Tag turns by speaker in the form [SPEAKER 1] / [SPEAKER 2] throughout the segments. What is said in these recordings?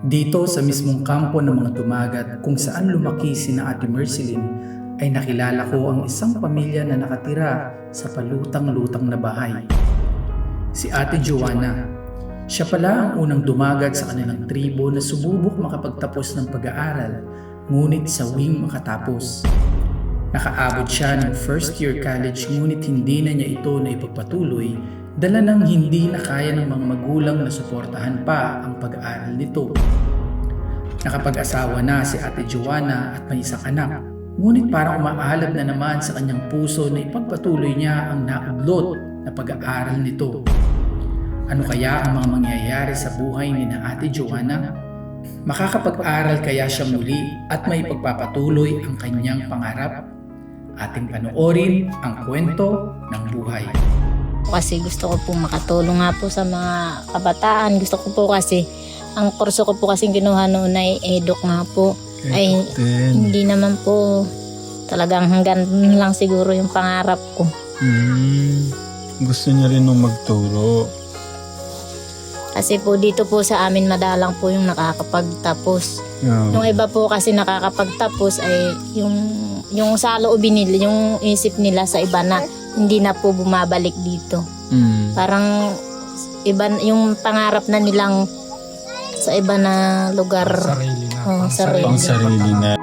[SPEAKER 1] Dito sa mismong kampo ng mga dumagat kung saan lumaki sina Ate Merceline ay nakilala ko ang isang pamilya na nakatira sa palutang-lutang na bahay. Si Ate Joanna. Siya pala ang unang dumagat sa kanilang tribo na sububok makapagtapos ng pag-aaral, ngunit sawing makatapos. Nakaabot siya ng first year college ngunit hindi na niya ito na ipagpatuloy dala ng hindi na kaya ng mga magulang na suportahan pa ang pag-aaral nito. Nakapag-asawa na si Ate Joanna at may isang anak, ngunit parang umaalab na naman sa kanyang puso na ipagpatuloy niya ang naudlot na pag-aaral nito. Ano kaya ang mga mangyayari sa buhay ni na Ate Joanna? Makakapag-aral kaya siya muli at may pagpapatuloy ang kanyang pangarap? Ating panoorin ang kwento ng buhay.
[SPEAKER 2] Kasi gusto ko po makatulong nga po sa mga kabataan. Gusto ko po kasi, ang kurso ko po kasi kinuha noon ay eduk nga po. Ay hindi naman po talagang hanggang lang siguro yung pangarap ko.
[SPEAKER 3] Gusto niya rin nung magturo.
[SPEAKER 2] Kasi po dito po sa amin madalang po yung nakakapagtapos.
[SPEAKER 3] Yeah.
[SPEAKER 2] Yung iba po kasi nakakapagtapos ay yung sa loobin nila, yung isip nila sa iba na hindi na po bumabalik dito. Parang iba yung pangarap na nilang sa iba na lugar.
[SPEAKER 3] Sarili na.
[SPEAKER 2] Oh, sarili.
[SPEAKER 3] Pang sarili na.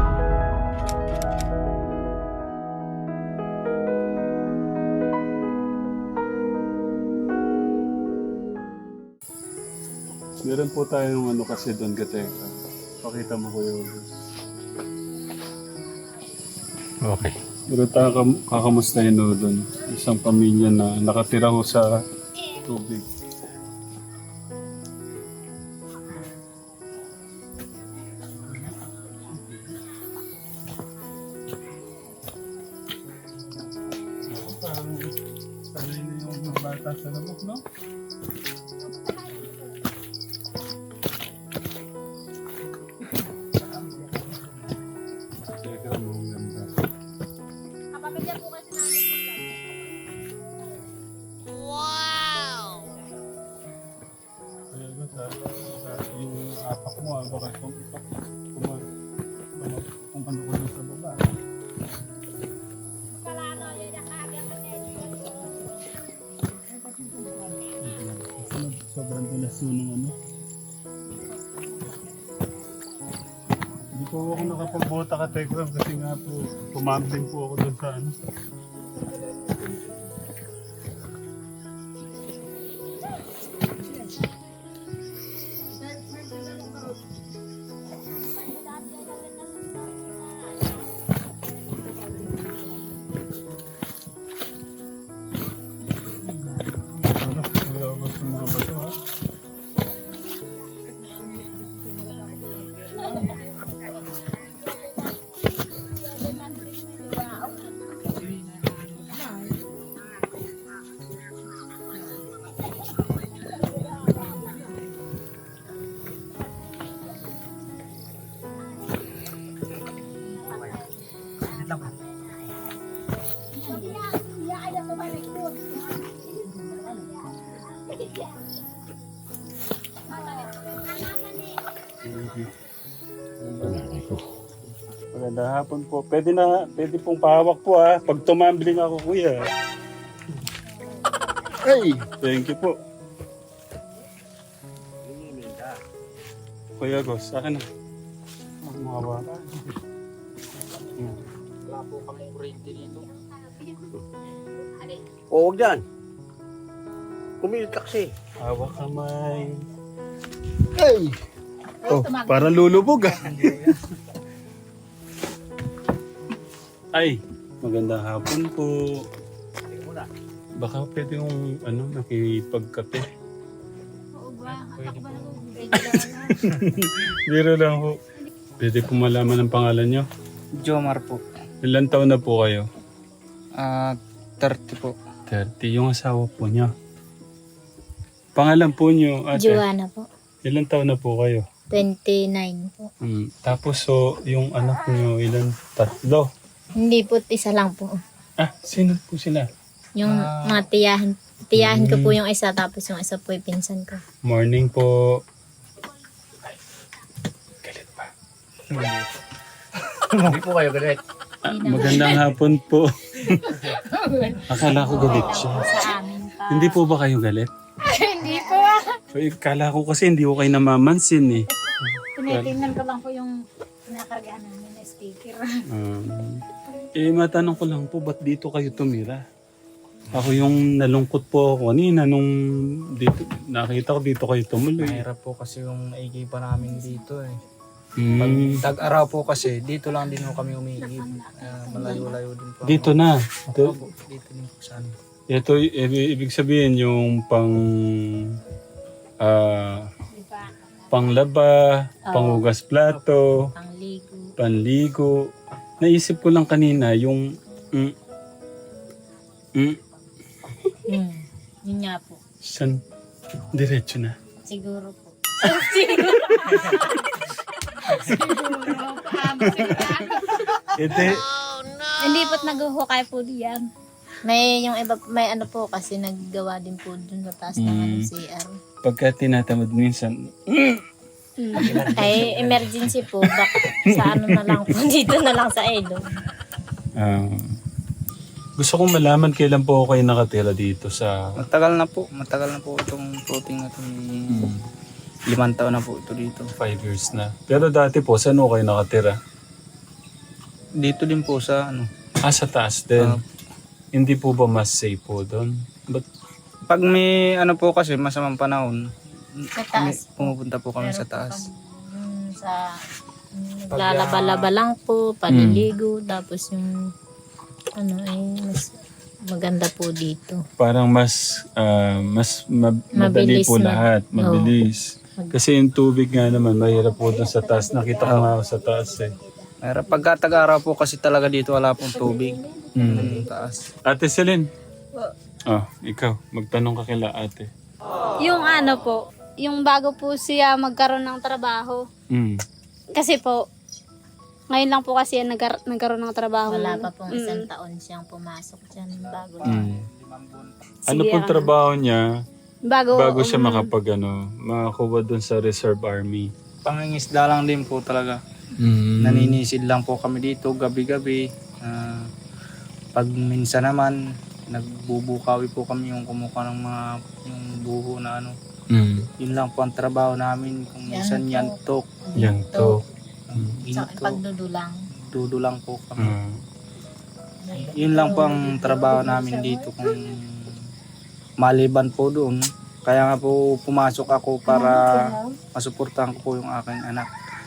[SPEAKER 3] Meron po tayong ano kasi doon kateka. Pakita mo ko yun.
[SPEAKER 4] Okay.
[SPEAKER 3] Pero tayo kakamustahin mo doon. Isang pamilya na nakatira ho sa tubig. Parang sanay na yung mga bata sa labok, no? Teka mo, ang ganda. Yung apak mo, baka kung ano ko sa baba. Sobrang dulas ng ano. Hindi po ako nakapagbota ka Tekram kasi nga po tumambling po ako doon sa ano. Gusto mo ba ito ha? Magandang hapon po. Pwede pong pahawak po ha. Pag tumambling ako kuya. Ay! Thank you po. Kuya Gos, sa akin na. Mga bata.
[SPEAKER 5] Wala po kami kurente dito. O, huwag dyan. Kumilit ka kasi.
[SPEAKER 3] Hawak kamay. Ay! Oh, parang lulubog ah. Ay, magandang hapon po. Baka pwede yung nakipagkape. Biro lang po. Pwede po malaman ang pangalan nyo.
[SPEAKER 6] Jomar po.
[SPEAKER 3] Ilan taon na po kayo?
[SPEAKER 6] 30 po.
[SPEAKER 3] 30. Yung asawa po niya. Pangalan po nyo, ate.
[SPEAKER 2] Joanna po.
[SPEAKER 3] Ilan taon na po kayo?
[SPEAKER 2] 29 po.
[SPEAKER 3] Tapos yung anak nyo, ilan? 3?
[SPEAKER 2] Hindi po, isa lang po.
[SPEAKER 3] Ah, sino po sila?
[SPEAKER 2] Yung mga tiyahin ko po yung isa, tapos yung isa po yung pinsan ko.
[SPEAKER 3] Morning po.
[SPEAKER 5] Hindi po kayo galit.
[SPEAKER 4] Magandang hapon po. Akala ko galit siya.
[SPEAKER 2] Sa amin pa.
[SPEAKER 4] Hindi po ba kayo galit?
[SPEAKER 2] Hindi po.
[SPEAKER 4] Akala ko kasi hindi ko kayo namamansin eh.
[SPEAKER 2] Tinitingnan ko lang po yung nakargaan namin na sticker.
[SPEAKER 4] Matanong ko lang po, ba't dito kayo tumira? Ako yung nalungkot po ako kanina nung dito, nakita ko dito kayo tumuloy.
[SPEAKER 6] Mahirap po kasi yung naigipan namin dito eh.
[SPEAKER 4] Mm.
[SPEAKER 6] Pag tag-araw po kasi, dito lang din po kami umiigib. Malayo-layo din po.
[SPEAKER 4] Dito na.
[SPEAKER 6] Opo, dito din po sa amin.
[SPEAKER 4] Ito, ibig sabihin yung panglaba, panghugas plato,
[SPEAKER 2] Pangligo.
[SPEAKER 4] panligo. Naisip ko lang kanina yung
[SPEAKER 2] Yun nga po.
[SPEAKER 4] san diretso na.
[SPEAKER 2] Siguro po.
[SPEAKER 4] Ete,
[SPEAKER 7] Hindi po't naghuhukay po diyan.
[SPEAKER 2] May yung iba, may ano po kasi naggawa din po dun sa taas ng ano, CR.
[SPEAKER 4] pagka tinatamad minsan,
[SPEAKER 2] Ay, emergency po. Baka sa ano na lang po. Dito na lang sa ilog.
[SPEAKER 4] gusto kong malaman kailan po ako kayo nakatira dito sa...
[SPEAKER 6] Matagal na po itong floating na ito. 5 taon na po ito dito.
[SPEAKER 4] 5 years na. Pero dati po, saan po kayo nakatira?
[SPEAKER 6] Dito din po sa ano.
[SPEAKER 4] Sa taas din. Hindi po ba mas safe po doon? But,
[SPEAKER 6] Pag may ano po kasi masamang panahon,
[SPEAKER 2] Sa taas.
[SPEAKER 6] pumupunta po kami
[SPEAKER 2] Pero
[SPEAKER 6] sa taas.
[SPEAKER 2] sa naglalaba-laba lang po, paliligo, tapos yung ano ay mas maganda po dito.
[SPEAKER 4] parang mas madali
[SPEAKER 2] Mabilis
[SPEAKER 4] po
[SPEAKER 2] na.
[SPEAKER 4] lahat. Mabilis. Kasi yung tubig nga naman, mahirap po doon sa taas. Nakita ko nga ako sa taas eh.
[SPEAKER 6] Pero pagka tag-araw po kasi talaga dito wala pong tubig.
[SPEAKER 4] Mm.
[SPEAKER 6] Taas.
[SPEAKER 4] Ate Celine. Ikaw. Magtanong ka kila ate.
[SPEAKER 7] Yung ano po, yung bago po siya magkaroon ng trabaho.
[SPEAKER 4] Mm.
[SPEAKER 7] Kasi po, ngayon lang po kasi nagkaroon ng trabaho.
[SPEAKER 2] Wala pa pong isang taon siyang pumasok dyan bago.
[SPEAKER 4] Ano pong trabaho niya bago siya makakuha doon sa Reserve Army?
[SPEAKER 6] Pangingisda lang din po talaga. Naninisid lang po kami dito gabi-gabi. Pag minsan naman nagbubukawi po kami yung kumuha ng mga yung buho na ano. Yun lang po ang trabaho namin. Kung minsan yantok,
[SPEAKER 4] Yan to.
[SPEAKER 2] Sa pagdudulang.
[SPEAKER 6] dudulang po kami. Yun lang po ang trabaho namin dito. Kung maliban po doon, kaya nga po pumasok ako para masuportahan ko po yung aking anak.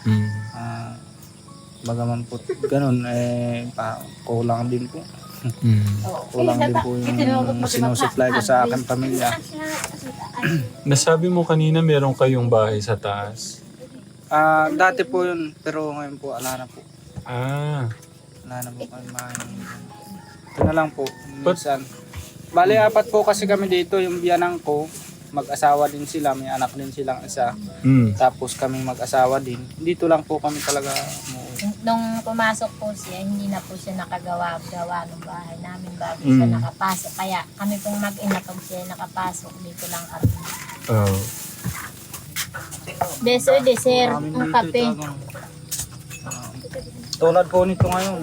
[SPEAKER 6] Bagaman po ganun, kulang din po. Kulang din po yung sinusupply ko sa aking pamilya.
[SPEAKER 4] Nasabi mo kanina meron kayong bahay sa taas.
[SPEAKER 6] Dati po yun, pero ngayon po ala na po. Wala na po kami mahin. Ito na lang po, minsan. Bali, 4 po kasi kami dito, yung biyanang ko, mag-asawa din sila, may anak din silang isa. Tapos kami mag-asawa din. Dito lang po kami talaga
[SPEAKER 2] Nung pumasok po siya, hindi na po siya nakagawa-gawa ng bahay namin bago siya nakapasok. Kaya kami pong mag-ina pag siya nakapasok, dito lang kami. Dessert, ang kape.
[SPEAKER 6] tulad po nito ngayon.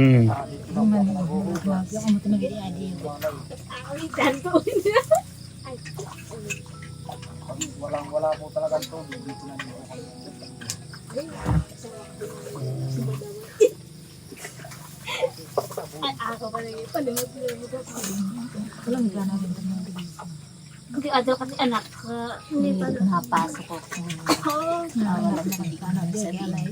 [SPEAKER 6] Wala po talaga tubig. Dito na dito kami.
[SPEAKER 7] Hindi adal kasi anak.
[SPEAKER 2] Hindi pa nakapasok ko. Wala na hindi ka na sabihin.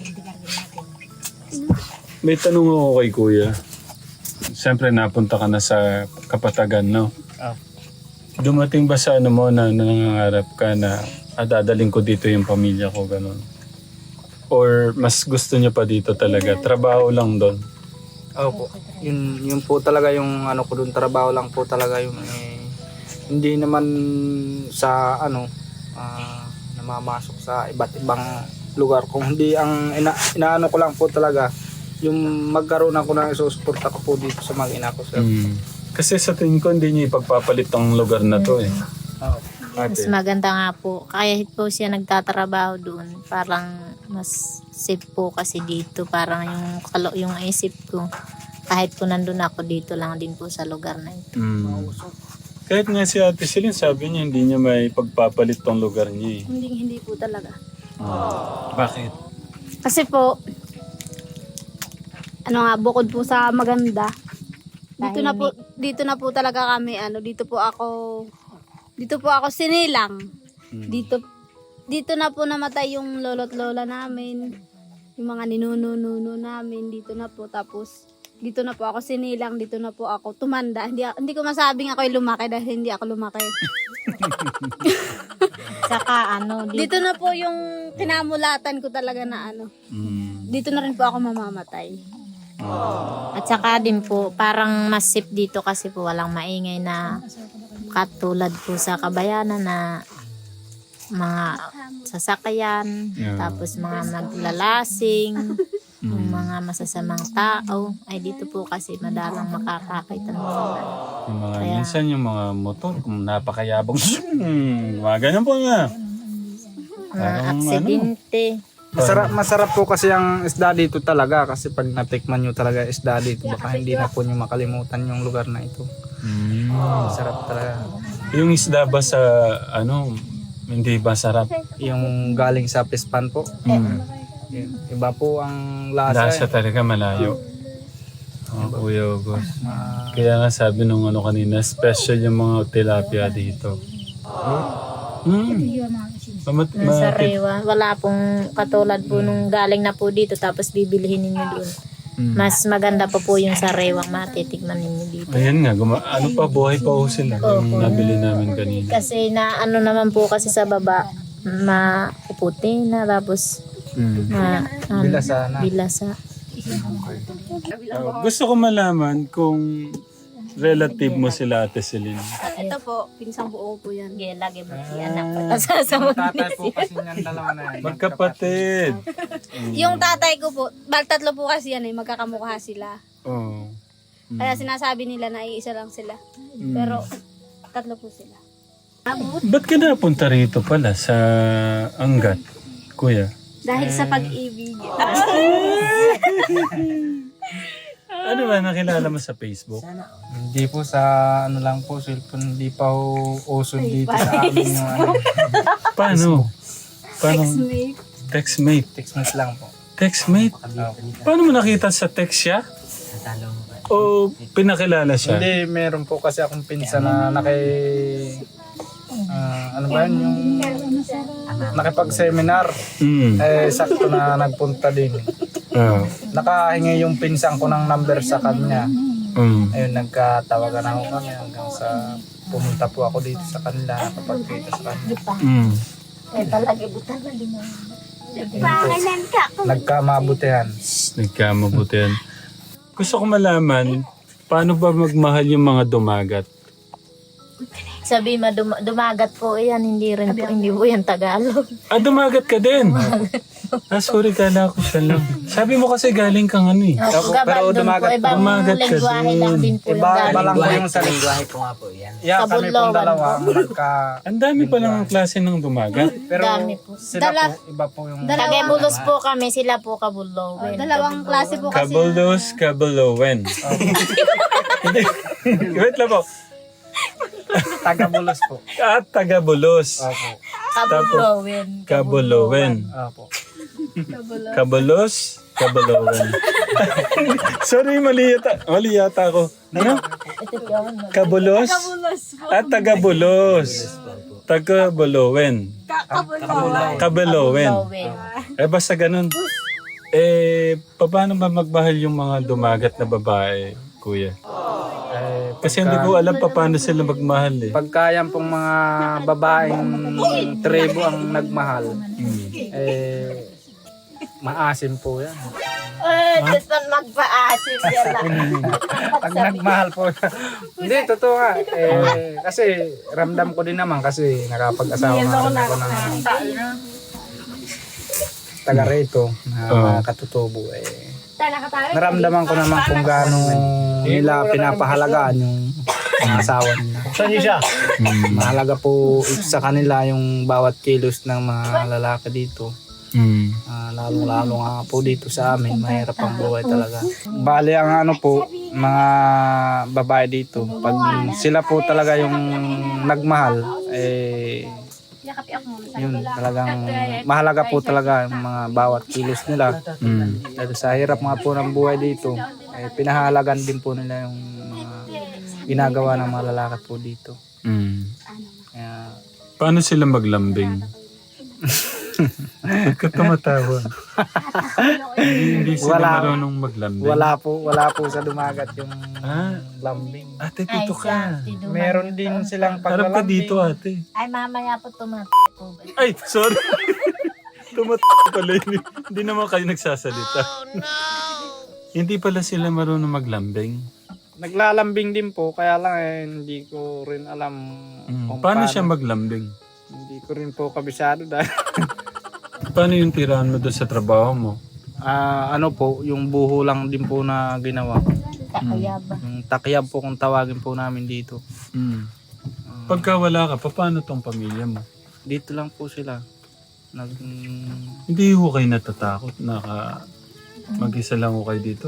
[SPEAKER 4] May tanong ako kay Kuya. Siyempre napunta ka na sa Kapatagan, no? Dumating ba sa ano mo na nangangarap ka na dadaling ko dito yung pamilya ko, ganun? Or mas gusto niyo pa dito talaga? Trabaho lang doon?
[SPEAKER 6] Opo. Yun po talaga yung ano ko doon, trabaho lang po talaga yung hindi naman sa ano namamasok sa iba't ibang lugar. Kung hindi ang inaano ko lang po talaga yung magkaroon ako ng isusuporta ko po dito sa mag-ina ko, sir.
[SPEAKER 4] Kasi sa tingin ko hindi niyo ipagpapalit ang lugar na to eh.
[SPEAKER 6] Oo.
[SPEAKER 2] Mas
[SPEAKER 4] ate?
[SPEAKER 2] maganda nga po. Kahit po siya nagtatrabaho doon, parang mas safe po kasi dito. Parang yung isip ko, kahit po nandun ako dito lang din po sa lugar na ito.
[SPEAKER 4] Kahit nga si Ate Celine, sabi niya hindi niya may pagpapalit tong lugar niya eh.
[SPEAKER 7] Hindi po talaga.
[SPEAKER 4] Bakit?
[SPEAKER 7] Kasi po, bukod po sa maganda, dito na po talaga kami, dito po ako sinilang. Dito na po namatay yung lolo't lola namin, yung mga ninuno namin, dito na po. Tapos, dito na po ako sinilang, dito na po ako tumanda. Hindi ko masabing ako'y lumaki dahil hindi ako lumaki.
[SPEAKER 2] Saka
[SPEAKER 7] Dito na po yung kinamulatan ko talaga na dito na rin po ako mamamatay.
[SPEAKER 2] At saka din po, parang mas safe dito kasi po walang maingay na katulad po sa Kabayanan na mga sasakyan, tapos mga maglalasing, yung mga masasamang tao. Ay dito po kasi madalang makakakita ng mga
[SPEAKER 4] Yung mga, minsan yung mga motor, kung napakayabang, mga ganun po nga.
[SPEAKER 2] aksidente.
[SPEAKER 6] Masarap po kasi ang isda dito talaga kasi pag natikman nyo talaga isda dito baka hindi na po nyo makalimutan yung lugar na ito. Masarap talaga.
[SPEAKER 4] Yung isda ba sa, hindi ba sarap?
[SPEAKER 6] Yung galing sa pispan po. Iba po ang lasa.
[SPEAKER 4] Lasa talaga malayo. Kuya August. Kaya nga sabi nung kanina, special yung mga tilapia dito.
[SPEAKER 2] Sa Rewa, wala pong katulad po nung galing na po dito tapos bibilihin ninyo doon. Mas maganda pa po yung sa Rewang matitikman ninyo dito.
[SPEAKER 4] Ayan nga, buhay pa ho sila. Yung nabili namin kanina.
[SPEAKER 2] Kasi naman po kasi sa baba, mapuputi na tapos
[SPEAKER 6] Bilasa na.
[SPEAKER 2] bilasa.
[SPEAKER 4] Gusto ko malaman kung relative mo sila Ate Celine.
[SPEAKER 7] Ito po, pinsang buo po yan.
[SPEAKER 2] Lagi mo si anak ko. Sasamot
[SPEAKER 6] Tatay po kasi yan dalawa na yan.
[SPEAKER 4] Magkapatid.
[SPEAKER 7] Yung tatay ko po, tatlo po kasi yan magkakamukha sila.
[SPEAKER 4] Oh.
[SPEAKER 7] Kaya sinasabi nila na iisa lang sila. Pero tatlo po sila.
[SPEAKER 4] Ba't ka napunta rito pala sa Angat, kuya?
[SPEAKER 7] Dahil sa pag-ibig.
[SPEAKER 4] Ano ba, nakilala mo sa Facebook?
[SPEAKER 6] Hindi po sa lang po, cellphone, hindi pa uso dito sa amin yung
[SPEAKER 4] Paano?
[SPEAKER 7] Ex-mate.
[SPEAKER 4] Textmate.
[SPEAKER 6] Textmate lang po.
[SPEAKER 4] Textmate? Paano mo nakita sa text siya? O pinakilala siya?
[SPEAKER 6] Hindi, meron po kasi akong pinsan na ano ba yun, yung nakipag-seminar. Sakto na nagpunta din. Nakahingi yung pinsan ko ng number sa kanya. Ayun, nagkatawagan ako kami hanggang sa pumunta po ako dito sa kanila, nakapagkita sa kanila. Nagkamabutihan.
[SPEAKER 4] Nagkamabutihan. Gusto ko malaman, paano ba magmahal yung mga dumagat?
[SPEAKER 2] Sabi mo, dumagat po yan, hindi po yan Tagalog.
[SPEAKER 4] Dumagat ka din? Sorry, kala ko siya lang. Sabi mo kasi galing kang
[SPEAKER 6] Pero dumagat
[SPEAKER 2] po, ibang lengguwahe lang din po yung
[SPEAKER 6] Iba lang po
[SPEAKER 2] galing.
[SPEAKER 6] yung salita.
[SPEAKER 5] Lingwahe ko nga po yan.
[SPEAKER 6] Yeah, kami pong dalawa.
[SPEAKER 4] Ang dami pa lang klase ng dumagat.
[SPEAKER 6] Pero
[SPEAKER 2] Dami po.
[SPEAKER 6] sila po, iba po yung...
[SPEAKER 2] Tagabulos po kami, sila po Kabulowin.
[SPEAKER 7] Dalawang klase po kasi.
[SPEAKER 4] Kabulos, Kabulowen. Hindi. Wait lang po.
[SPEAKER 6] Tagabulos po.
[SPEAKER 4] Tagabulos.
[SPEAKER 6] Opo.
[SPEAKER 2] Kabulowin.
[SPEAKER 4] Kabulowen.
[SPEAKER 6] Opo.
[SPEAKER 4] Kabulos, Kabulowen. Sorry, mali yata ako. Ano? Kabulos? Tagabulos. Tagabulowen. Kabulowen. Basta ganun. Paano ba magmahal yung mga dumagat na babae, kuya? Kasi hindi ko alam paano sila magmahal eh.
[SPEAKER 6] Pagka yan pong mga babaeng tribo ang nagmahal, maasim po yan.
[SPEAKER 2] Gusto magpaasim yan lang.
[SPEAKER 6] Pag nagmahal po. Hindi, totoo nga. Kasi ramdam ko din naman kasi nakapag-asawa nga rin ako ng taga rito na mga katutubo. Naramdaman ko naman kung gaano nila pinapahalagaan yung asawa nila.
[SPEAKER 5] Saan niyo siya?
[SPEAKER 6] Mahalaga po sa kanila yung bawat kilos ng mga lalaki dito. Lalong-lalo nga po dito sa amin, mahirap ang buhay talaga. Bali ang ano po, mga babae dito, pag sila po talaga yung nagmahal, yun talagang mahalaga po talaga yung mga bawat kilos nila. Dahil sa hirap nga po ng buhay dito, pinahalagan din po nila yung mga ginagawa ng mga lalaki po dito. Kaya,
[SPEAKER 4] Paano sila maglambing? Ba't ka tumatawa? Hindi sila marunong maglambing.
[SPEAKER 6] wala po sa dumagat yung lambing.
[SPEAKER 4] Ate, dito ka.
[SPEAKER 6] Meron din silang
[SPEAKER 4] Harap ka
[SPEAKER 6] paglalambing.
[SPEAKER 4] dito, ate.
[SPEAKER 2] Ay, mamaya po tumat po.
[SPEAKER 4] Ay, sorry. Pala yun. Hindi naman kayo nagsasalita. Hindi pala sila marunong maglambing.
[SPEAKER 6] Naglalambing din po, kaya lang hindi ko rin alam kung
[SPEAKER 4] Paano siya maglambing?
[SPEAKER 6] Hindi ko rin po kabisado dahil
[SPEAKER 4] Paano yung tirahan mo doon sa trabaho mo?
[SPEAKER 6] ano po, yung buho lang din po na ginawa.
[SPEAKER 2] Kakayaba.
[SPEAKER 6] Yung takyab po kung tawagin po namin dito.
[SPEAKER 4] Pagka wala ka, paano tong pamilya mo?
[SPEAKER 6] Dito lang po sila.
[SPEAKER 4] Hindi ho kayo natatakot na mag-isa lang ho kayo dito?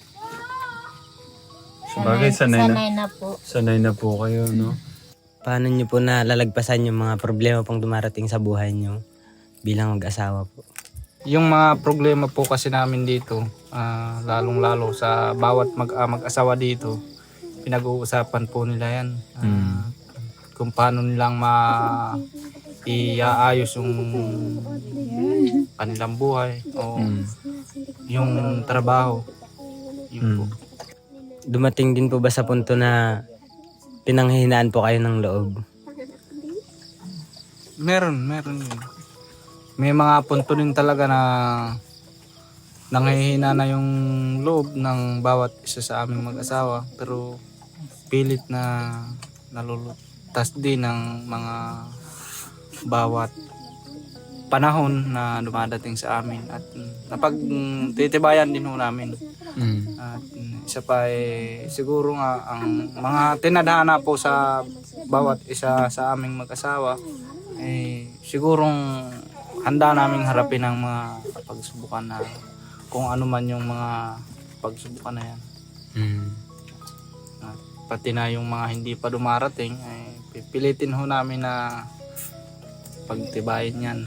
[SPEAKER 4] Sabagay, sanay
[SPEAKER 2] na po.
[SPEAKER 4] Sanay na po kayo, no?
[SPEAKER 8] Paano nyo po nalalagpasan yung mga problema pong dumarating sa buhay nyo bilang mag-asawa po?
[SPEAKER 6] Yung mga problema po kasi namin dito, lalong-lalo sa bawat mag-asawa dito, pinag-uusapan po nila yan. Kung paano nilang iaayos yung kanilang buhay o yung trabaho. Yun po.
[SPEAKER 8] Dumating din po ba sa punto na pinanghihinaan po kayo ng loob?
[SPEAKER 6] Meron yun. May mga punto din talaga na nanghihina na yung loob ng bawat isa sa aming mag-asawa, pero pilit na nalulutas din ng mga bawat panahon na dumadating sa amin at napagtitibayan din ho namin. At isa pa siguro nga ang mga tinadhana po sa bawat isa sa aming mag-asawa sigurong handa naming harapin ang mga pagsubukan na kung ano man yung mga pagsubukan na yan. At pati na yung mga hindi pa dumarating pipilitin ho namin na pagtibayin yan.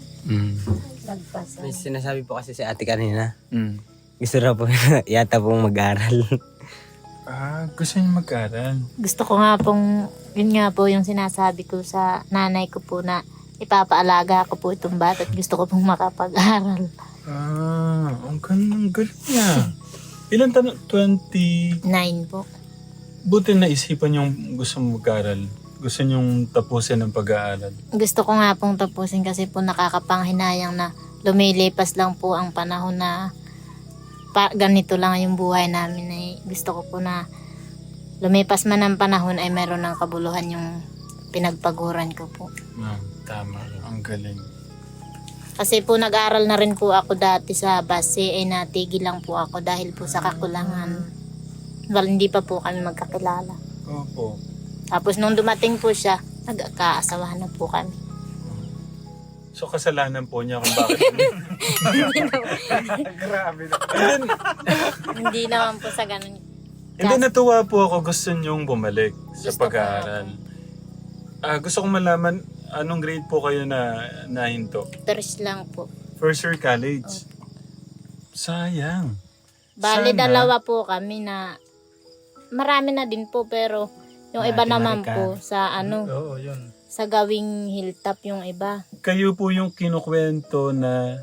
[SPEAKER 8] May sinasabi po kasi si ate kanina. Gusto raw po yata pong mag-aral.
[SPEAKER 4] Gusto niyo mag-aral?
[SPEAKER 2] Gusto ko nga pong, yun nga po yung sinasabi ko sa nanay ko po na ipapaalaga ko po itong bata at gusto ko pong makapag-aral.
[SPEAKER 4] Ang galing niya. Ilan tanong?
[SPEAKER 2] 9 po.
[SPEAKER 4] Buti na isipan yung gusto mo mag-aral. Gusto niyong tapusin ang pag-aaral.
[SPEAKER 2] Gusto ko nga pong tapusin kasi po nakakapanghinayang na lumilipas lang po ang panahon na ganito lang yung buhay namin. Gusto ko po na lumipas man ang panahon ay meron ng kabuluhan yung pinagpaguran ko po.
[SPEAKER 4] Tama. Ang galing.
[SPEAKER 2] Kasi po nag-aral na rin po ako dati sa base ay natigil lang po ako dahil po sa kakulangan. Well, hindi pa po kami magkakilala.
[SPEAKER 4] Opo.
[SPEAKER 2] Tapos nung dumating po siya, nagkaasawahan na po kami.
[SPEAKER 4] So kasalanan po niya kung bakit.
[SPEAKER 6] Grabe na.
[SPEAKER 2] Hindi naman po sa ganun.
[SPEAKER 4] Hindi, natuwa po ako. Gusto niyong bumalik sa
[SPEAKER 2] Gusto ko
[SPEAKER 4] pag-aaral. Gusto kong malaman, anong grade po kayo na nahinto?
[SPEAKER 2] First lang po.
[SPEAKER 4] First year college. Sayang.
[SPEAKER 2] Bali,
[SPEAKER 4] Sana.
[SPEAKER 2] dalawa po kami na marami na din po pero yung iba naman po sa
[SPEAKER 6] Oo, yun.
[SPEAKER 2] sa gawing hilltop yung iba.
[SPEAKER 4] Kayo po yung kinukwento na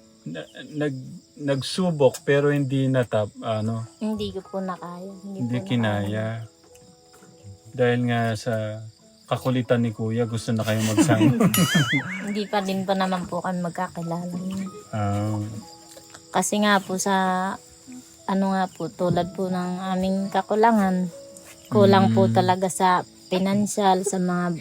[SPEAKER 4] nagsubok pero hindi natap,
[SPEAKER 2] Hindi ko po nakaya.
[SPEAKER 4] hindi
[SPEAKER 2] po
[SPEAKER 4] kinaya. Dahil nga sa kakulitan ni Kuya, gusto na kayo magsama.
[SPEAKER 2] Hindi pa din pa naman po kami magkakilala.
[SPEAKER 4] Ah.
[SPEAKER 2] Kasi nga po sa nga po tulad po ng aming kakulangan. Kulang po talaga sa financial, sa mga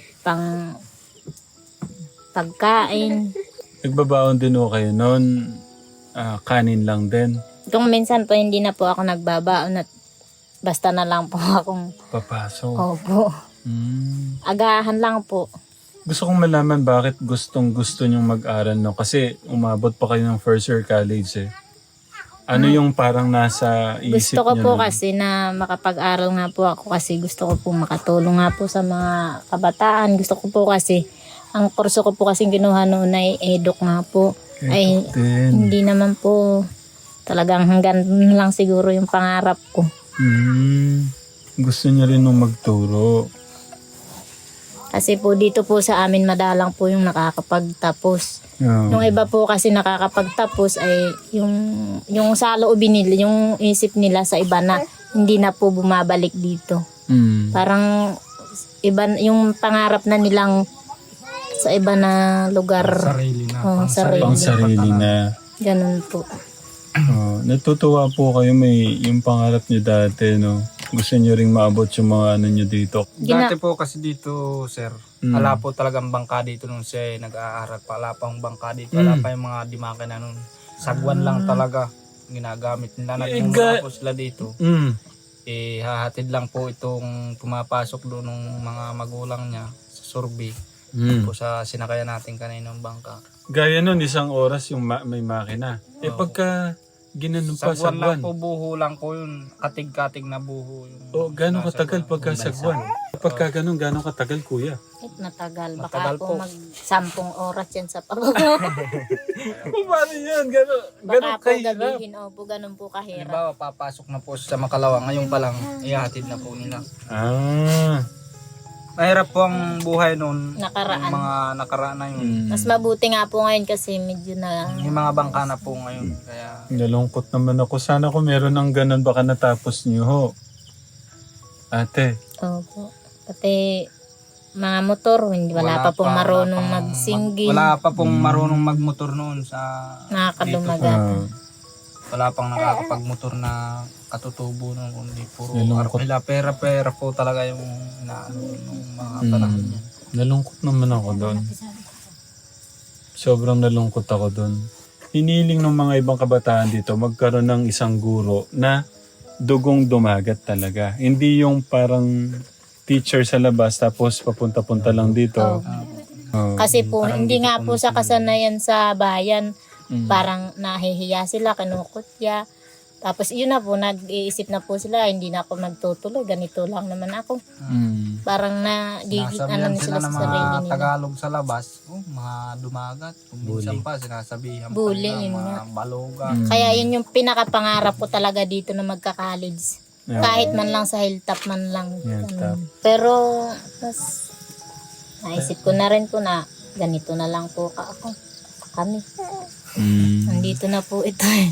[SPEAKER 2] pagkain.
[SPEAKER 4] Nagbabaon din ho kayo noon, kanin lang din.
[SPEAKER 2] Kung minsan po hindi na po ako nagbabaon at basta na lang po akong
[SPEAKER 4] Papasok.
[SPEAKER 2] opo. Agahan lang po.
[SPEAKER 4] Gusto kong malaman bakit gustong gusto nyong mag-aral, no? Kasi umabot pa kayo ng first year college eh. Ano yung parang nasa isip
[SPEAKER 2] Gusto ko
[SPEAKER 4] niyo
[SPEAKER 2] po
[SPEAKER 4] nun?
[SPEAKER 2] kasi na makapag-aral nga po ako kasi gusto ko po makatulong nga po sa mga kabataan. Gusto ko po kasi, ang kurso ko po kasi kinuha noon ay eduk nga po. Ay, hindi naman po talagang hanggang lang siguro yung pangarap ko.
[SPEAKER 4] Gusto niya rin nung magturo.
[SPEAKER 2] Kasi po dito po sa amin madalang po yung nakakapagtapos.
[SPEAKER 4] Yeah.
[SPEAKER 2] Yung iba po kasi nakakapagtapos ay yung sa loobin nila, yung isip nila sa iba na hindi na po bumabalik dito. Parang iba yung pangarap na nilang sa iba na lugar.
[SPEAKER 6] Sarili na.
[SPEAKER 2] Sarili.
[SPEAKER 4] Pang sarili na.
[SPEAKER 2] Ganun po.
[SPEAKER 4] Natutuwa po kayo may yung pangarap niyo dati, no? Gusto niyo ring maabot yung mga ano niyo dito.
[SPEAKER 6] Dati po kasi dito, sir, wala po talagang bangka dito nung siya nag-aaral pa. Wala pang bangka dito. Wala pa yung mga dimake na nun. Sagwan lang talaga ginagamit nila. Nagmumula po sila dito. Hahatid lang po itong pumapasok doon ng mga magulang niya sa Survey. Po sa sinakayan natin kaninang bangka.
[SPEAKER 4] Gaya nun, isang oras yung may makina. Pagka ginanon pa,
[SPEAKER 6] Sagwan
[SPEAKER 4] sagwan.
[SPEAKER 6] lang po, buho lang po yun. Katig-katig na buho.
[SPEAKER 4] Gano'ng katagal pagka sagwan? Pagka gano'n, gano'ng katagal, kuya?
[SPEAKER 2] Matagal. Baka
[SPEAKER 6] Matagal
[SPEAKER 2] po
[SPEAKER 6] po.
[SPEAKER 2] mag-10 oras yan sa paggawa.
[SPEAKER 4] Paano yan? Gano'n
[SPEAKER 2] Baka po gabihin. Opo, ganun po kahirap.
[SPEAKER 6] Halimbawa, papasok na po sa Makalawa. Ngayon pa lang, ihahatid na po nila. Mahirap po ang buhay noon.
[SPEAKER 2] Nakaraan.
[SPEAKER 6] Yung mga nakaraan na yun.
[SPEAKER 2] Mas mabuti nga po ngayon kasi medyo na...
[SPEAKER 6] Yung mga bangka na po ngayon. Kaya
[SPEAKER 4] Nalungkot naman ako. Sana kung meron ng ganun, baka natapos niyo ho. Ate.
[SPEAKER 2] Opo. Pati mga motor, wala pa pong marunong magsinggin.
[SPEAKER 6] Wala pa pong marunong magmotor noon sa
[SPEAKER 2] Nakakadumagat.
[SPEAKER 6] wala pang nakakapagmotor na katutubo noon, kundi puro
[SPEAKER 4] Nalungkot.
[SPEAKER 6] arkila. Pera po talaga yung inaano ng mga panahon niya.
[SPEAKER 4] Nalungkot naman ako doon. Sobrang nalungkot ako doon. Hiniling ng mga ibang kabataan dito magkaroon ng isang guro na dugong dumagat talaga. Hindi yung parang teacher sa labas tapos papunta-punta lang dito.
[SPEAKER 2] Kasi po, hindi nga po sa kasanayan sa bayan. Parang nahihiya sila, kinukutya. Tapos yun na po, nag-iisip na po sila, hindi na ako nagtutuloy, ganito lang naman ako. Parang
[SPEAKER 6] Sinasabihan
[SPEAKER 2] ano
[SPEAKER 6] sila
[SPEAKER 2] sila sa
[SPEAKER 6] ng
[SPEAKER 2] sarili
[SPEAKER 6] mga
[SPEAKER 2] nila.
[SPEAKER 6] Tagalog sa labas, mga dumagat. Kung minsan pa, sinasabihan
[SPEAKER 2] Bully,
[SPEAKER 6] pa
[SPEAKER 2] yun
[SPEAKER 6] nila,
[SPEAKER 2] nga.
[SPEAKER 6] mga baloga.
[SPEAKER 2] Kaya yun yung pinakapangarap ko talaga dito na magka-college. Kahit man lang sa hilltop man lang.
[SPEAKER 4] Hilltop.
[SPEAKER 2] Pero, mas naisip ko na rin po na ganito na lang po kami. Nandito na po ito eh.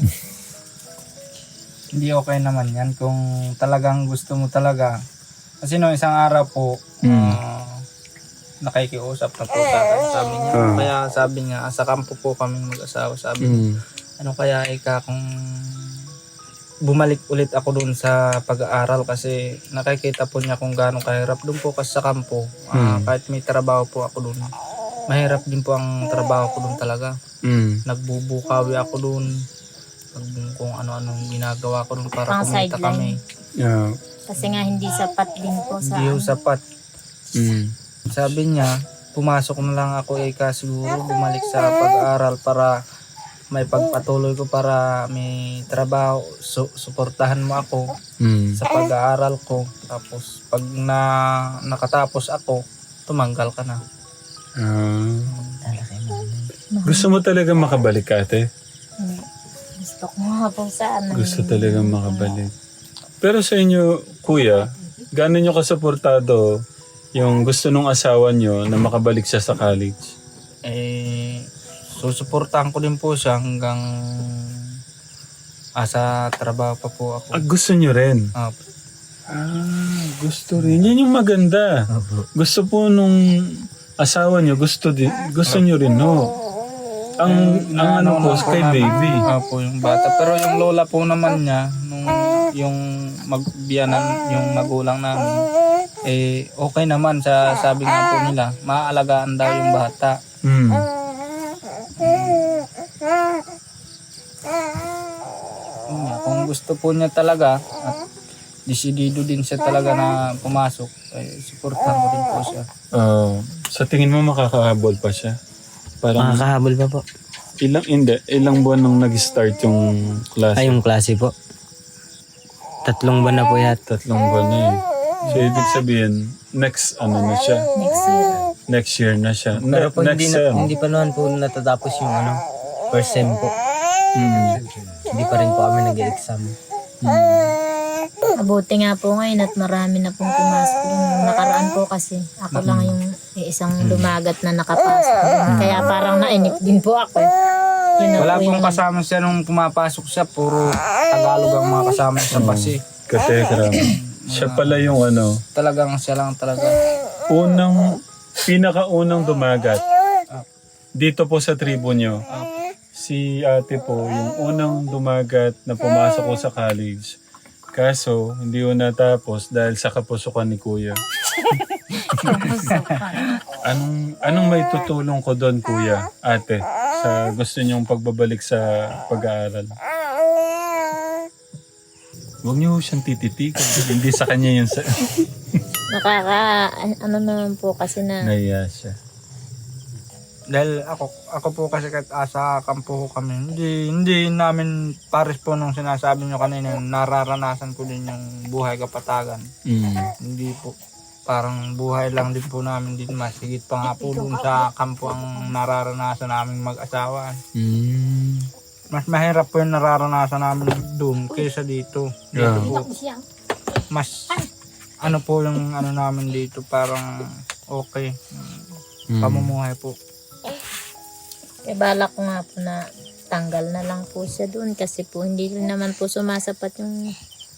[SPEAKER 6] Hindi okay naman yan kung talagang gusto mo talaga. Kasi no, isang araw po, nakikiusap na po sa akin. Sabi niya, kaya sabi niya, sa kampo po kami mag-asawa. Sabi niya, ano kaya kung bumalik ulit ako doon sa pag-aaral kasi nakikita po niya kung gaano kahirap doon po kasi sa kampo. Kahit may trabaho po ako doon, mahirap din po ang trabaho ko doon talaga. Nagbubukawi ako doon. Kung ano-ano ginagawa ko doon para
[SPEAKER 2] Pang
[SPEAKER 6] kumita
[SPEAKER 2] sideline.
[SPEAKER 6] kami.
[SPEAKER 2] Kasi nga hindi sapat din po sa
[SPEAKER 6] Hindi ho sapat. Sabi niya, pumasok na lang ako siguro bumalik sa pag-aaral para may pagpatuloy ko para may trabaho. Suportahan mo ako sa pag-aaral ko. Tapos pag nakatapos ako, tumanggal ka na.
[SPEAKER 4] Gusto mo talaga makabalik, ate?
[SPEAKER 2] Gusto ko nga po sana.
[SPEAKER 4] Gusto talaga makabalik. Pero sa inyo, kuya, gaano nyo kasuportado yung gusto nung asawa nyo na makabalik siya sa college?
[SPEAKER 6] Susuportahan ko din po siya hanggang sa trabaho pa po ako.
[SPEAKER 4] Gusto nyo rin? Gusto rin. Yan yung maganda. Gusto po nung asawa nyo, gusto nyo rin, no? Ang ano po, kay baby.
[SPEAKER 6] Po yung bata. Pero yung lola po naman niya, yung magbiyanan, yung magulang namin, okay naman sa sabi nga po nila, maaalagaan daw yung bata. Kung gusto po niya talaga, at desidido din siya talaga na pumasok, supportan ko din po siya.
[SPEAKER 4] Sa tingin mo makakahabol pa siya? Parang
[SPEAKER 8] Makakahabol pa po.
[SPEAKER 4] ilang buwan nung nag-start yung klase?
[SPEAKER 8] Ay, yung klase po. 3 buwan na po yata.
[SPEAKER 4] 3 buwan na eh. So, ibig sabihin, next na siya?
[SPEAKER 2] Next year.
[SPEAKER 4] Next year na siya.
[SPEAKER 8] Pero po
[SPEAKER 4] Next sem.
[SPEAKER 8] hindi pa naman po natatapos yung first sem po. Hindi pa rin po kami nag-exam.
[SPEAKER 2] Mabuti nga po ngayon at marami na pong pumasok. Yung nakaraan po kasi ako lang yung isang lumagat na nakapasok. Kaya parang nainip din po ako. Yun na
[SPEAKER 6] Wala
[SPEAKER 2] po
[SPEAKER 6] pong
[SPEAKER 2] yung-
[SPEAKER 6] kasama siya nung pumapasok siya. Puro Tagalog ang mga kasama sa bus eh.
[SPEAKER 4] Katekram. Siya pala yung
[SPEAKER 6] Talagang siya lang talaga.
[SPEAKER 4] pinakaunang dumagat. Dito po sa tribo nyo. Si ate po, yung unang dumagat na pumasok ko sa college. Kaso, hindi ko natapos dahil sa kapusukan ni kuya. Anong may tutulong ko doon, kuya, ate, sa gusto niyong pagbabalik sa pag-aaral? Huwag niyo siyang tititikan. Hindi sa kanya yun.
[SPEAKER 2] ano naman po kasi na
[SPEAKER 4] Naiya siya.
[SPEAKER 6] Dahil ako po kasi kahit sa kampo ko kami, hindi namin pares po nung sinasabi nyo kanina, nararanasan ko din yung buhay kapatagan. Hindi po, parang buhay lang din po namin din, mas higit pa nga po dun sa kampo ang nararanasan namin mag-asawa. Mas mahirap po yung nararanasan namin doon kaysa dito. Dito po, mas ano po yung ano namin dito, parang okay. Pamumuhay po.
[SPEAKER 2] eh, balak ko nga po na tanggal na lang po siya doon kasi po hindi rin naman po sumasapat yung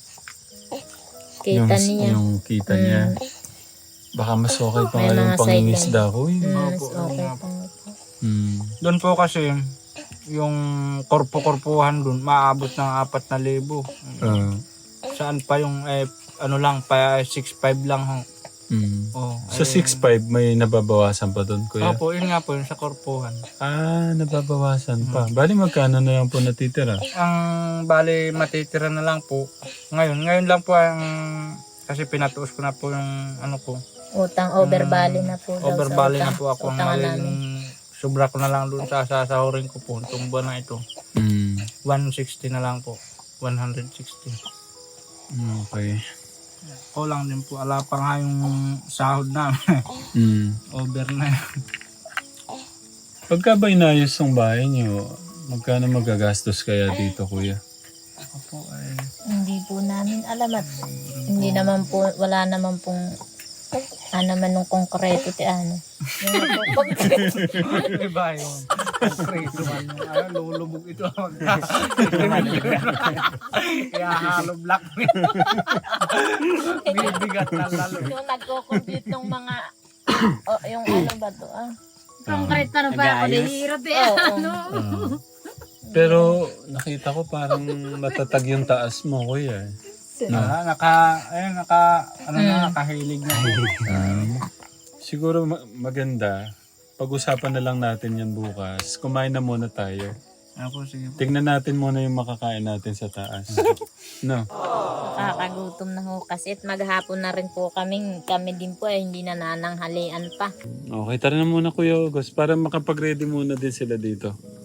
[SPEAKER 2] kita niya.
[SPEAKER 4] Yung kita niya. Baka mas okay pa
[SPEAKER 2] May
[SPEAKER 4] nga yung
[SPEAKER 2] mga
[SPEAKER 4] pangingisda ko.
[SPEAKER 2] Mas
[SPEAKER 6] Opo,
[SPEAKER 2] okay
[SPEAKER 6] nga
[SPEAKER 2] po.
[SPEAKER 6] Doon po kasi yung korpo-korpuhan doon maabot ng 4,000. Saan pa yung ano lang pa 6,500 lang ho.
[SPEAKER 4] Sa 6'5", may nababawasan pa doon, kuya?
[SPEAKER 6] Opo, yun nga po yung sa korpuhan.
[SPEAKER 4] Nababawasan pa. Bali, magkano na lang po natitira?
[SPEAKER 6] Ang bali matitira na lang po. Ngayon lang po ang kasi pinatuos ko na po yung ano ko.
[SPEAKER 2] Utang overbali na po. daw sa
[SPEAKER 6] Overbali na
[SPEAKER 2] utang.
[SPEAKER 6] po ako.
[SPEAKER 2] Utangan
[SPEAKER 6] Ngayon
[SPEAKER 2] namin.
[SPEAKER 6] sobra ko na lang doon sa sasahurin ko po itong buwan na ito. 160 na lang po. 160.
[SPEAKER 4] Okay.
[SPEAKER 6] Kulang din po. Ala pa nga yung sahod namin. Over na yun.
[SPEAKER 4] Pagka ba inayos yung bahay niyo, magkano magagastos kaya dito, kuya?
[SPEAKER 6] Ako po
[SPEAKER 2] Hindi po namin alam at hindi naman po, wala naman pong naman nung konkreto Yung po,
[SPEAKER 6] iba yun. Preso man yung lulubog ito. Kaya halo black. Bibigat na lalo.
[SPEAKER 2] yung nagko-compute ng mga yung ano ba to
[SPEAKER 7] Concrete na pa ako. Nahihirap eh.
[SPEAKER 4] Pero nakita ko parang matatag yung taas mo, kuya.
[SPEAKER 6] Nakahilig na.
[SPEAKER 4] Siguro maganda, pag-usapan na lang natin yan bukas. Kumain na muna tayo.
[SPEAKER 6] Ako, sige po.
[SPEAKER 4] Tignan natin muna yung makakain natin sa taas. No?
[SPEAKER 2] Nakakagutom na ho kasi at maghapon na rin po kami din po hindi na nananghalian pa.
[SPEAKER 4] Okay, tara na muna, Kuya August, para makapag-ready muna din sila dito.